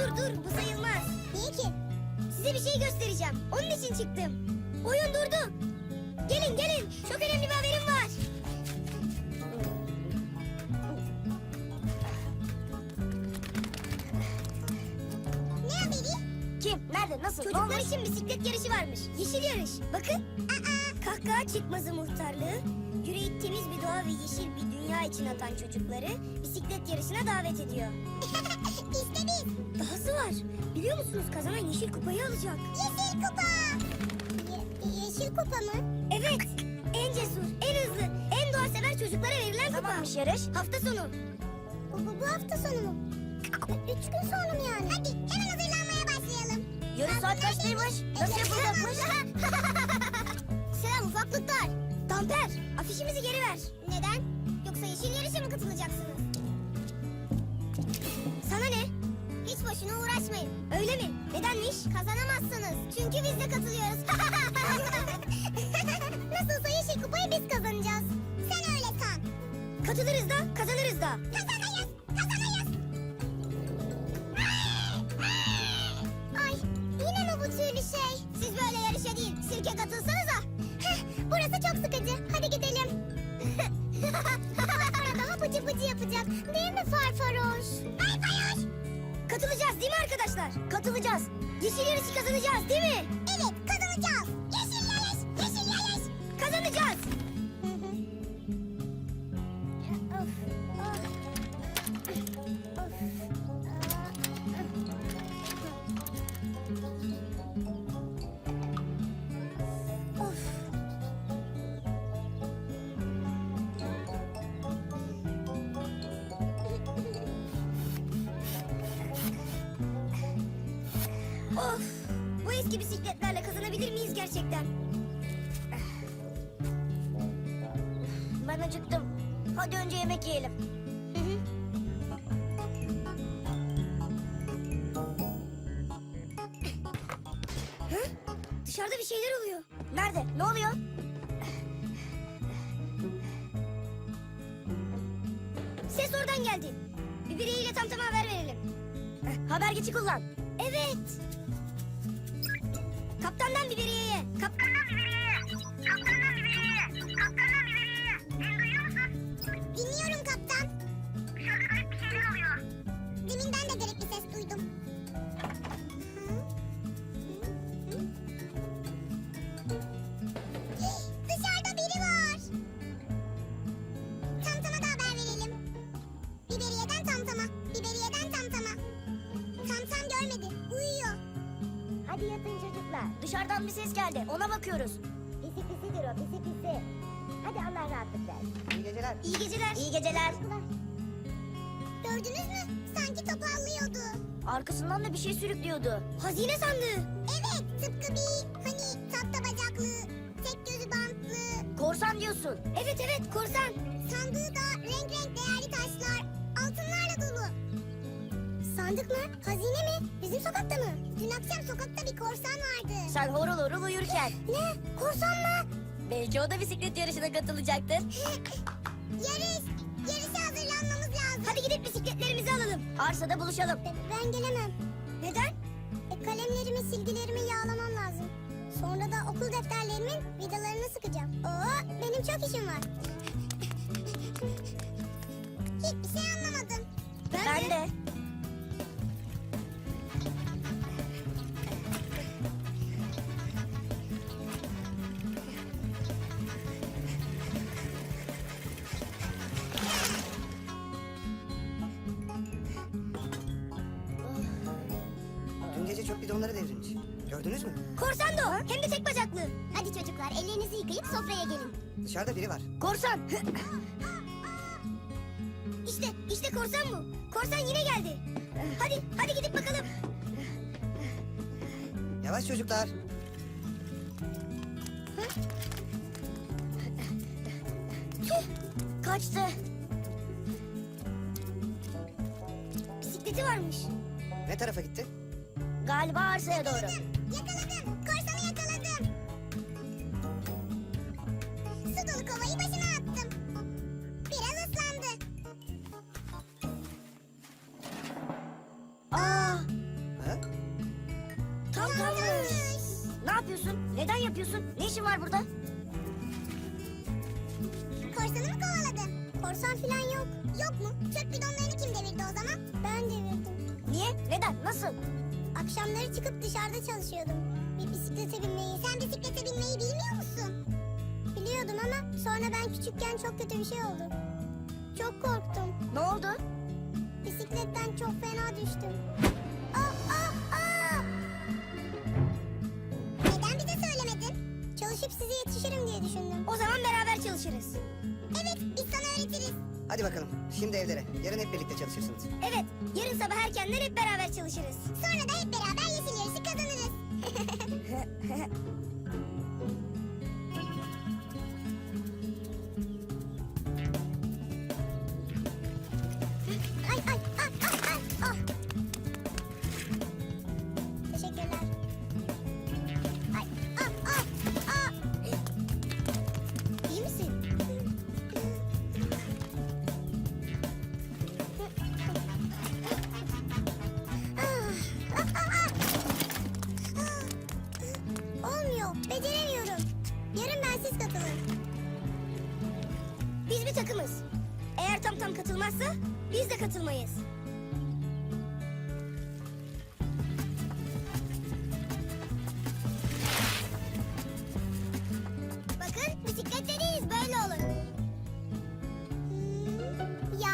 dur bu sayılmaz. Niye ki? Size bir şey göstereceğim. Onun için çıktım. Oyun durdu. Gelin gelin. Çok önemli bir haberim var. Ne haberi? Kim? Nerede? Nasıl? Ne Çocuklar olmuş? için bisiklet yarışı varmış. Yeşil yarış. Bakın. Kahkaha çıkmazı muhtarlığı, yüreği temiz bir doğa ve yeşil bir dünya için atan çocukları bisiklet yarışına davet ediyor. İşte biz. Dahası var. Biliyor musunuz kazanan yeşil kupayı alacak. Yeşil kupa. Yeşil kupa mı? Evet. En cesur, en hızlı, en doğa sever çocuklara verilen kupa. Zamanmış yarış. Hafta sonu. Bu hafta sonu mu? 3 gün sonra mı yani? Hadi hemen hazırlanmaya başlayalım. Yarış saat kaçtaymış? Nasıl yapılacakmış? Selam ufaklıklar. Damper, afişimizi geri ver. Neden? Yoksa yeşil yarışa mı katılacaksınız? Sana ne? Hiç boşuna uğraşmayın. Öyle mi? Nedenmiş? Kazanamazsınız. Çünkü biz de katılıyoruz. Nasılsa yeşil kupayı biz kazanacağız. Sen öyle san. Katılırız da, kazanırız da. Kazanayız. Kazanayız. Ay yine mi bu türlü şey? Siz böyle yarışa değil, sirke katılsanıza. Burası çok sıkıcı. Hadi gidelim. Sonra daha pıcı pıcı yapacak. Değil mi Farfaroş? Farfaroş. Katılacağız değil mi arkadaşlar? Katılacağız. Yeşil yarışı kazanacağız değil mi? Evet kazanacağız. Yeşil yarış. Yeşil yarış. Kazanacağız. Of. Of! Bu eski bisikletlerle kazanabilir miyiz gerçekten? Ben acıktım. Hadi önce yemek yiyelim. Dışarıda bir şeyler oluyor. Nerede? Ne oluyor? Ses oradan geldi. Bir bireyiyle tamtama haber verelim. Haber geçi kullan. Evet. Kaptandan biberiyeye. Kaptandan biberiyeye. Kaptandan biberiyeye. Kaptandan biberiyeye. Beni duyuyor musun? Dinliyorum kaptan. Dışarıda garip bir şeyler oluyor. Deminden de garip bir ses duydum. Dışarıda biri var. Tamtama da haber verelim. Biberiyeden tamtama. Biberiyeden tamtama. Tamtam görmedi. Uyuyor. Hadi yatın çocuklar. Dışarıdan bir ses geldi. Ona bakıyoruz. Pisi pisidir o. Pisi pisi. Hadi Allah rahatlık versin. İyi geceler. İyi geceler. İyi geceler. Gördünüz mü? Sanki topallıyordu. Arkasından da bir şey sürüklüyordu. Hazine sandığı. Evet, tıpkı bir hani tahta bacaklı, tek gözü bantlı. Korsan diyorsun. Evet evet korsan. Sandığı da renk renk değerli taşlar, altınlarla dolu. Sandık mı? Hazine mi? Bizim sokakta mı? Dün akşam sokakta bir korsan vardı. Sen horul horul uyurken. Ne? Korsan mı? Belki o da bisiklet yarışına katılacaktır. Yarışa hazırlanmamız lazım. Hadi gidip bisikletlerimizi alalım. Arsada buluşalım. Ben gelemem. Neden? Kalemlerimi, silgilerimi yağlamam lazım. Sonra da okul defterlerimin vidalarını sıkacağım. Oo, benim çok işim var. Hiçbir şey anlamadım. Ben de. Dün gece çöp bidonları devrilmiş. Gördünüz mü? Korsan da o. Hem de tek bacaklı. Hadi çocuklar ellerinizi yıkayıp sofraya gelin. Dışarıda biri var. Korsan. İşte korsan bu. Korsan yine geldi. Hadi gidip bakalım. Yavaş çocuklar. Kaçtı. Bisikleti varmış. Ne tarafa gitti? Galiba arsaya doğru. Yakaladım. Korsanı yakaladım. Su dolu kovayı başına attım. Biraz ıslandı. Aa, Korsanı mı kovaladın? Korsan falan yok. Yok mu? Çöp bidonlarını kim devirdi o zaman? Ben devirdim. Niye? Neden? Nasıl? Akşamları çıkıp dışarıda çalışıyordum. Bir bisiklete binmeyi. Sen bisiklete binmeyi bilmiyor musun? Biliyordum ama sonra ben küçükken çok kötü bir şey oldu. Çok korktum. Ne oldu? Bisikletten çok fena düştüm. Aa! Neden bize söylemedin? Çalışıp size yetişirim diye düşündüm. O zaman beraber çalışırız. Evet, biz sana öğretiriz. Hadi bakalım. Şimdi evlere. Yarın hep birlikte çalışırsınız. Evet, yarın sabah erkenden hep beraber çalışırız. Sonra da hep beraber yeşil yarışı kazanırız. Ay, ah. Teşekkürler. Ay, ah. İyi misin? Olmuyor, beceremiyorum. Yarın bensiz katılın. Biz bir takımız. Eğer tam katılmazsa biz de katılmayız. Bakın, bisikletleriyiz, böyle olur. Ya.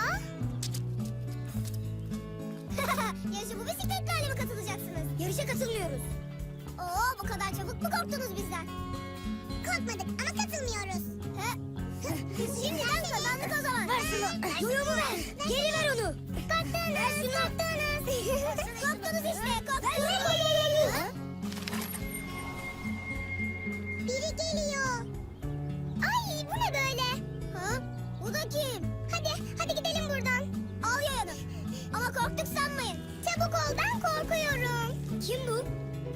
Yarışa bu bisikletlerle mi katılacaksınız? Yarışa katılmıyoruz. Oo, bu kadar çabuk mu korktunuz bizden? Korkmadık ama katılmıyoruz. Şimdiden kazandık o zaman. Ver şunu. Yoyomu ver. Geri ver onu. Korktunuz. Ver şunu. Korktunuz işte, korktunuz. Ha? Biri geliyor. Ay, bu ne böyle? Ha? Bu da kim? Hadi gidelim buradan. Al yayanı. Ama korktuk sanmayın. Çabuk ol, ben korkuyorum. Kim bu?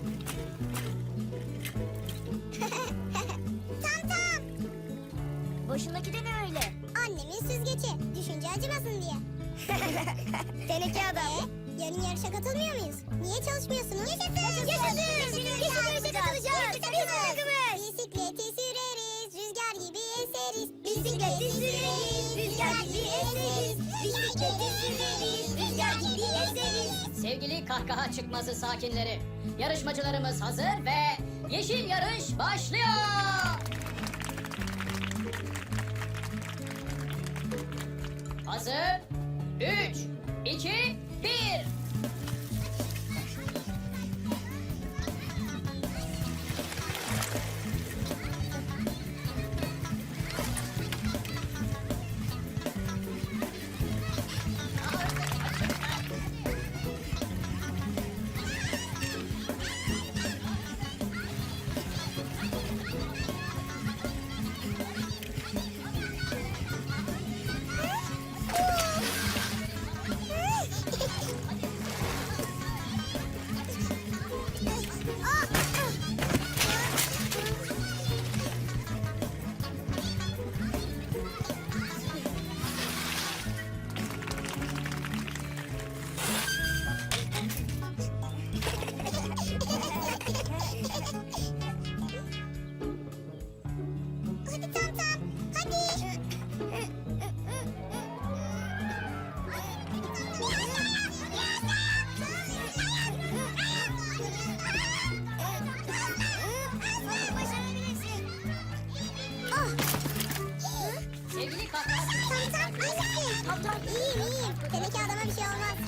Tam. Başındaki de ne öyle? Annemin süzgeci. Düşünce acımasın diye. Teneke adam. Yarın yarışa katılmıyor muyuz? Niye çalışmıyorsunuz? Yaşasın! Yaşasın! Yarışa katılacağız. Biz takımız. Bisikleti süreriz, rüzgar gibi eseriz. Bisikleti süreriz, rüzgar gibi eseriz. Bisikleti süreriz, rüzgar gibi eseriz. Sevgili kahkaha çıkmazı sakinleri, yarışmacılarımız hazır ve yeşil yarış başlıyor. Hazır. 3, 2, 1. Hadi Tam, hadi. Başarabilirsin. Sevgili kahkaha çıkmazı Tam, sakinleri, iyisin. İyiyim. Teneke adama bir şey olmaz.